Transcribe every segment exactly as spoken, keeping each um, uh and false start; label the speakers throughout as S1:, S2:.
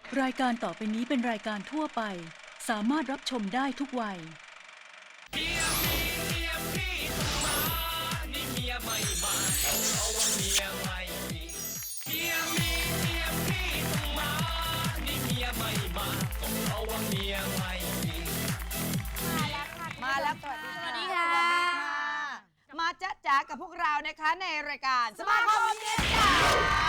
S1: รายการต่อไปนี้เป็นรายการทั่วไปสามารถรับชมได้ทุกวัย
S2: เมียมีเมียพี่ต้องมานี่เมียไม่มาเพราะว่าเมียไม่มีเมียมีเมียพี่ต้องมานี่เมียไม่มาก็เพราะว่าเมียไม่มี
S3: มาแล้วค่ะ
S4: มาแล้วค่ะ
S3: สวัสดีค่ะ
S4: มาจ๊ะจ๋ากับพวกเรานะคะในรายการสมาคมเมียจ๋า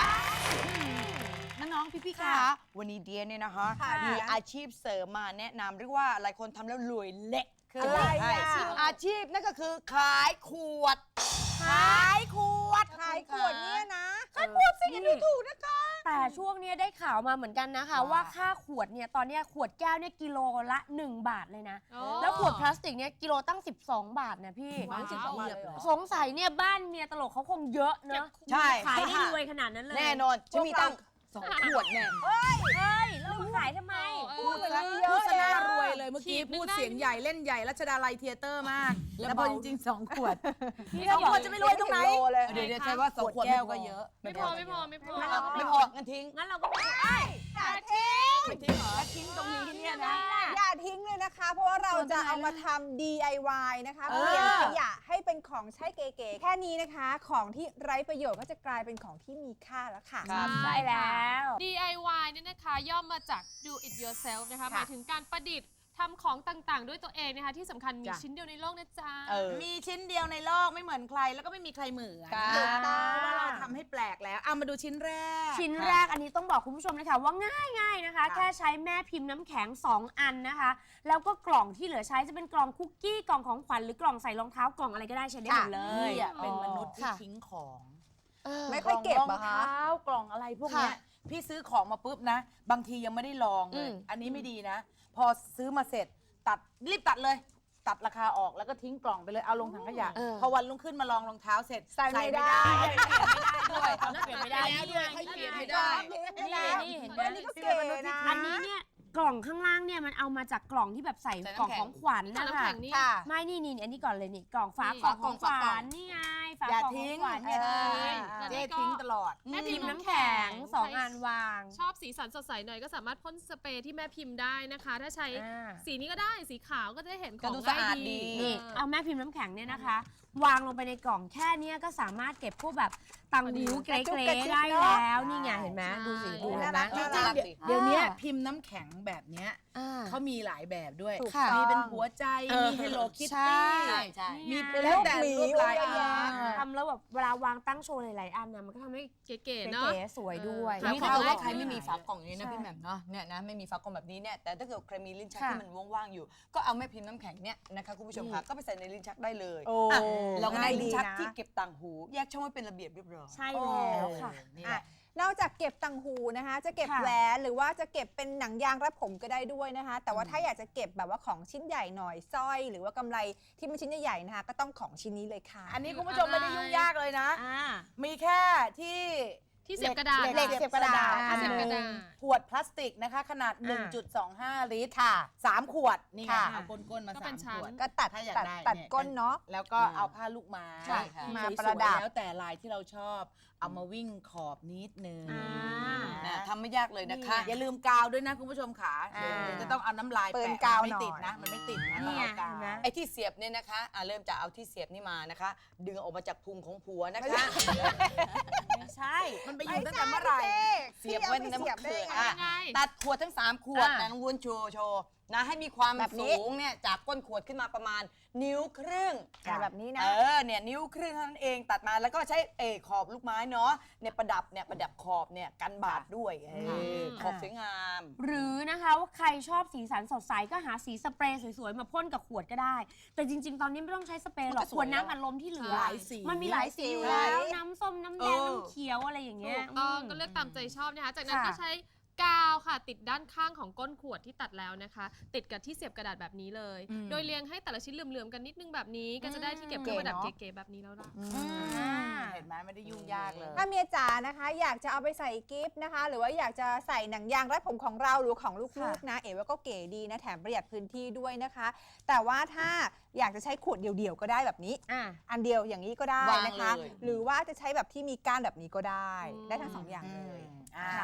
S4: น้องๆพี่ๆคะวันนี้เดียเนี่ยนะคะมีอาชีพเสริมมาแนะนำเรียกว่าหลายคนทำแล้วรวยเละคืออะไรอาชีพนั่นก็คือขายขวดขายขวดขายขวดเนี่ยนะขายขวดสิอย่าดูถูกนะคะ
S3: แต่ช่วงนี้ได้ข่าวมาเหมือนกันนะคะว่าค่าขวดเนี่ยตอนนี้ขวดแก้วเนี่ยกิโลละหนึ่งบาทเลยนะแล้วขวดพลาสติกเนี่ยกิโลตั้งสิบสองบาทนะพี่สงสัยเนี่ยบ้านเมียตลกเขาคงเยอะเนอะ
S4: ใช่
S3: ขายได้รวยขนาดนั้นเลย
S4: แน่นอนจะมีตั้งสองขวดแน่
S3: เฮ้ยแล้วมาขายทำไม
S4: พูดเลย
S5: พูดซะน่ารวยเลยเมื่อกี้พูดเสียงใหญ่เล่นใหญ่รัชดาลัยเธียเตอร์มาก แล้วพอจริงๆสองขวดสองขวดจะไม่รวยตรงไหนเดี๋ยวจะใช้ว่าสองขวดแก้วก็เยอะ
S6: ไม่พอไม่พอไม่พอ
S4: ไม่พองั้นทิ้ง
S3: งั้นเราก็ไม่ได้
S4: อย่าทิ้งไม่ทิ้งเหรอทิ้งตรงนี้เนี่ยนะ
S7: อย่าทิ้งเลยนะคะ เพราะว่าเราจะเอามาทำ ดี ไอ วาย นะคะเปลี่ยนขยะให้เป็นของใช้เก๋ๆแค่นี้นะคะ ของที่ไร้ประโยชน์ก็จะกลายเป็นของที่มีค่าแล้วค่ะ
S3: ใช่แล้ว
S6: ดี ไอ วาย เนี่ยนะคะย่อมมาจาก do it yourself นะคะหมายถึงการประดิษฐ์ทำของต่างๆ ด้วยตัวเองนะคะที่สำคัญมีชิ้นเดียวในโลกนะจ๊ะ
S5: มีชิ้นเดียวในโลกไม่เหมือนใครแล้วก็ไม่มีใครเหมือน
S4: ค่ะ
S5: เพราะว่าเราทำให้แปลกแล้วเอามาดูชิ้นแรก
S3: ชิ้นแรกอันนี้ต้องบอกคุณผู้ชมเลยค่ะว่าง่ายๆนะคะ แค่ใช้แม่พิมพ์น้ำแข็งสองอันนะคะ แล้วก็กล่องที่เหลือใช้จะเป็นกล่องคุกกี้กล่องของขวัญหรือกล่องใส่รองเท้ากล่องอะไรก็ได้ใช้ได้หมดเลย
S5: พี่อะเป็นมนุษย์ที่ทิ้งของ
S7: ไม่ค่อยเก็บ
S5: กล่องร
S7: อะ
S5: อง
S7: คะ
S5: เท้ากล่องอะไรพวกเนี้ยพี่ซื้อของมาปุ๊บนะ บางทียังไม่ได้ลองเลยอันนี้ไม่ดีนะ พอซื้อมาเสร็จตัดรีบตัดเลย ตัดราคาออกแล้วก็ทิ้งกล่องไปเลยเอาลงถังขยะพอวันรุ่งขึ้นมาลองรองเท้าเสร็จ
S7: ใส่ไม่ได้
S5: ด้วย
S3: เปลี่ยนไม่ได้
S5: แล้วด้วยให้เปลี่ยนไม่ได้
S3: นี่นี่เห็นไหม
S7: อันนี้ก็เก๋นะ
S3: อันนี้เนี่ยกล่องข้างล่างเนี่ยมันเอามาจากกล่องที่แบบใส่กล่องของขวัญ
S6: ใส่
S3: นะ
S6: น้ำ
S3: คะ
S6: แข็งนี่
S7: ค่ะ
S3: ไม่นี่นี่อันนี้ก่อนเลยนี่กล่องฝา
S6: นี่
S3: กล่องของขวัญนี่ไงฝา
S5: อย่าก
S3: ล่องข
S5: ทิ้
S3: อง งขวัญ
S5: อย่า
S3: เนี่ย
S5: ทิ้งเจ๊ทิ้งตลอด
S6: แม่
S3: พิ
S6: พิ
S3: ม
S6: ม
S3: พ์
S6: พ์
S3: น้ำ
S6: น้ำ
S3: แข็
S6: แข็
S3: ง
S6: ง
S3: สองอันวาง
S6: ชอบสีสันสดใสหน่อยก็สามารถพ่นสเปรย์ที่แม่พิมพ์ได้นะคะ ถ้าใช้
S3: อ่า
S6: สีนี้ก็ได้สีขาวก็จะได้เห็นข
S4: ก็
S6: อง
S4: ดูสะ
S6: ง่าย
S4: อาด
S6: ดี
S4: ดี
S3: นี่เอาแม่พิมพ์น้ำแข็งเนี่ยนะคะ วางลงไปในกล่องแค่เนี้ยก็สามารถเก็บพวกแบบตังหูเกร
S7: กระจุก
S3: ๆ
S7: กระจิก
S3: ได้
S7: เนอะ
S3: แล้วนี่ไงเห็นไหมดูสิดูเห็นไหม
S4: จริง
S5: จริงๆเดี๋ยวเดี๋ยวนี้พิมพ์น้ำแข็งแบบเนี้ย
S3: อ่า
S5: เขามีหลายแบบด้วย
S7: ถูกต้อง
S5: มีเป็นหัวใจ มี Hello
S3: ใช่
S5: Kitty
S4: ใช่
S5: มี
S3: นี่ไง
S5: เป็นแล้วแต่รูปลาย
S7: เยอะแยะ
S3: ทำแล้วแบบเวลาวางตั้งโชว์หลายๆอันเนี่ยมันก็ทำให้
S6: เก๋ๆ
S3: เก๋
S6: เนาะ
S3: ๆสวยด้วย
S6: เออ
S4: นี่ถ้าเกิดว่าใครไม่มีฝากล่องอย่างนี้นะ
S3: ใช่
S4: พี่แหม่มเนาะเนี่ยนะไม่มีฝากล่องแบบนี้เนี่ยแต่ถ้าเกิดใครมีลิ้นชัก
S3: ค่ะ
S4: ที่มันว่างๆอยู่ ก็เอาแม่พิมพ์น้ำแข็งเนี่ยนะคะคุณผู้ชมค่ะก็ไปใส่ในลิ้นชักได้เลย
S7: โอ้
S4: อ่ะเราก็ได้
S7: ง่ายดี
S4: ลิ้นชัก
S7: นะ
S4: ที่เก็บต่างหูแยกช่องไว้เป็นระเบียบเรียบร้อย
S3: ใช่แล้วค่ะ
S4: นี่
S7: อ่ะ
S4: แหละ
S7: นอกจากเก็บตังหูนะคะ จะเก็บ
S3: ค่ะ
S7: แหวนหรือว่าจะเก็บเป็นหนังยางรัดผมก็ได้ด้วยนะคะ แต่ว่าถ้าอยากจะเก็บแบบว่าของชิ้นใหญ่หน่อยสร้อย หรือว่ากำไรที่มันชิ้นใหญ่ๆนะคะ ก็ต้องของชิ้นนี้เลยค่ะ
S5: อันนี้คุณผู้ชมไม่ได้ยุ่งยากเลยนะ
S3: อ่า
S5: มีแค่ที่
S6: ที่เสียบกระดาษ
S5: เหล็กเสียบกระดาษ
S6: ที่เสียบกระดาษ
S5: ขวดพลาสติกนะคะ ขนาด หนึ่งจุดสองห้า ลิตรค่ะสามขวด นี่ไง
S7: ค่ะ
S5: เอาก้นๆมา
S6: ก็
S5: สา
S6: เป็
S5: ม
S6: นชั้
S5: ข
S6: น
S5: วด
S7: ก็ตัด
S5: ถ้าอยาก
S7: ตัด
S5: ได้
S7: ตัด
S5: เนี่ย
S7: ก้นเนาะ
S5: แล้วก็เอาผ้าลูกไม้
S4: ใช่ค่ะ
S7: มา
S5: สวยๆ
S7: ประดับ
S5: แล้วแต่ลายที่เราชอบ เอามาวิ่งขอบนิดนึง
S3: อ่า
S4: นะทำไม่ยากเลยนะคะ
S5: อย่าลืมกาวด้วยนะคุณผู้ชมขา
S7: อ่า
S5: เดี๋ยวจะต้องเอาน้ำลาย
S7: เปิด
S5: แปะ
S7: กาว
S5: มันไม่ติด
S7: หน่อย
S5: นะ มันไม่ติดนะ
S3: นี่
S5: ต้อง
S3: ไง
S5: เอากาว
S3: เห็นไหม
S4: ไอ้ที่เสียบเนี่ยนะคะอ่ะเริ่มจากเอาที่เสียบนี่มานะคะ ดึงออกมาจากพุงของผัวนะคะ
S3: ไม่ใช่
S5: มันไปอยู่ตั้งแต่เมื่อไหร่
S4: เสียบไว้ในน้ำ
S7: เสียบได้
S4: เขือ
S7: ไง
S4: อ่ะ
S6: ยังไง
S4: ตัดขวดทั้งสามขวด
S3: อ่ะ
S4: นะน้องวุ้นโชว์โชว์นะให้มีความ
S7: แบบนี้
S4: สูงเนี่ยจากก้นขวดขึ้นมาประมาณนิ้วครึ่ง
S7: อ่ะแบบนี้นะ
S4: เออเนี่ยนิ้วครึ่งเท่านั้นเองตัดมาแล้วก็ใช้เออขอบลูกไม้เนาะเนี่ยประดับเนี่ยประดับขอบเนี่ยกันบาดด้วยเออขอบสวยงาม
S3: หรือนะคะว่าใครชอบสีสันสดใสก็หาสีสเปรย์สวยๆ มาพ่นกับขวดก็ได้ แต่จริง ๆ ตอนนี้ไม่ต้องใช้สเปรย์หรอก
S4: มันก็ส
S3: ข
S4: ว
S3: วย ดน้ำอัดลมที่เหลือ
S5: หลายสี
S3: มันมีหลายสีอยู่
S7: หลายสี
S3: แล้วน้ำส้มน้ำแดง
S4: เออ
S3: น้ำเขียวอะไรอย่างเงี้ย
S6: ถูกต้อง
S3: ม
S6: ก็เลือกตามใจชอบนะคะ จากนั้น
S3: ค่ะ
S6: ก็ใช้กาวค่ะ ติดด้านข้างของก้นขวดที่ตัดแล้วนะคะ ติดกับที่เสียบกระดาษแบบนี้เลย โดยเรียงให้แต่ละชิ้นเหลื่อมๆกันนิดนึงแบบนี้ ก็จะได้ที่เก็บเครื่องประดับ
S7: เก๋เนอะ
S6: เก๋ๆแบบนี้แล้วล่ะ
S5: เห็นไหมไม่ได้ยุ่งยากเลย
S7: ถ้าเมียจ๋านะคะ อยากจะเอาไปใส่กิฟต์นะคะ หรือว่าอยากจะใส่หนังยางรัดผมของเราหรือของลูกๆนะ เอ๋ว่าก็เก๋ดีนะแถมประหยัดพื้นที่ด้วยนะคะ แต่ว่าถ้าอยากจะใช้ขวดเดี่ยวๆก็ได้แบบนี้
S3: อ่ะ
S7: อันเดียวอย่างนี้ก็ได้
S4: วาง
S7: นะคะ
S4: เลย
S7: หรือว่าจะใช้แบบที่มีก้านแบบนี้ก็ได้
S6: อืม
S7: ได้ทั้งสองอย่างเลย
S5: อ่า
S7: ค่ะ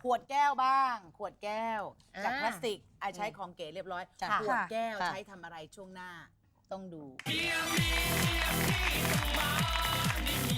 S5: ขวดแก้วบ้าง ขวดแก้ว จาก
S3: อ่า
S5: พลาสติกไอะใช้ของเก๋เรียบร้อย
S4: จ้ะ
S5: ขวด
S3: ค่ะ
S5: แก้ว
S4: ค่ะ
S5: ใช้ทำอะไรช่วงหน้าต้องดู
S2: เมียมีเมียพี่ต้องมานี่เมี